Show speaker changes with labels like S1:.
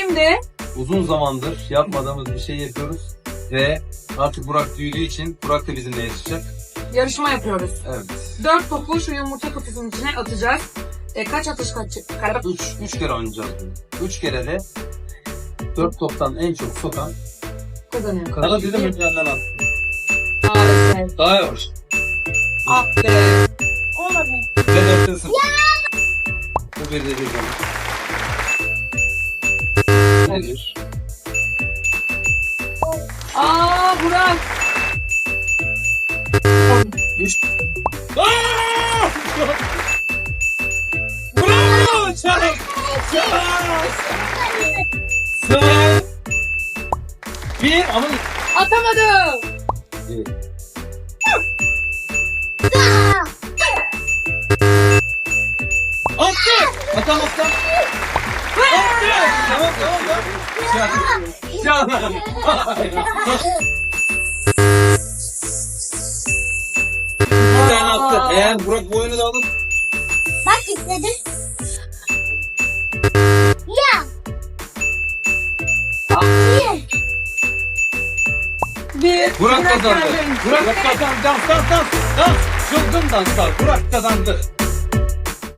S1: Şimdi
S2: Uzun zamandır yapmadığımız bir şey yapıyoruz. Ve artık Burak büyüdüğü için Burak da bizimle yarışacak.
S1: yarışma yapıyoruz.
S2: Evet.
S1: 4 topu şu yumurta kutusunun içine atacağız. Kaç atış kaç?
S2: 3 kere oynayacağız bunu. 3 kere de 4 toptan en çok sokan
S1: Kazanıyor.
S2: kadar dedim önceden at.
S1: Evet.
S2: Daha yavaş.
S1: Ah be.
S3: Olmadı.
S2: Ve 4'te 0. Bu bir de bir zaman. Nedir?
S1: Aa Burak.
S2: 3. Aaa! Bravo! Çak! Çak! Sıra! Bir ama...
S1: Atamadım.
S2: Attı! Atam attı! Attı! Tamam tamam. Çak! Bir tane attı. Eğer Burak bu oyunu da alır.
S3: Bak istedim. Ya.
S1: Bir.
S2: Burak kazandı.
S1: geldi.
S2: Burak kazandı. Dans dans dans. Dans. Çılgın danslar. Burak kazandı.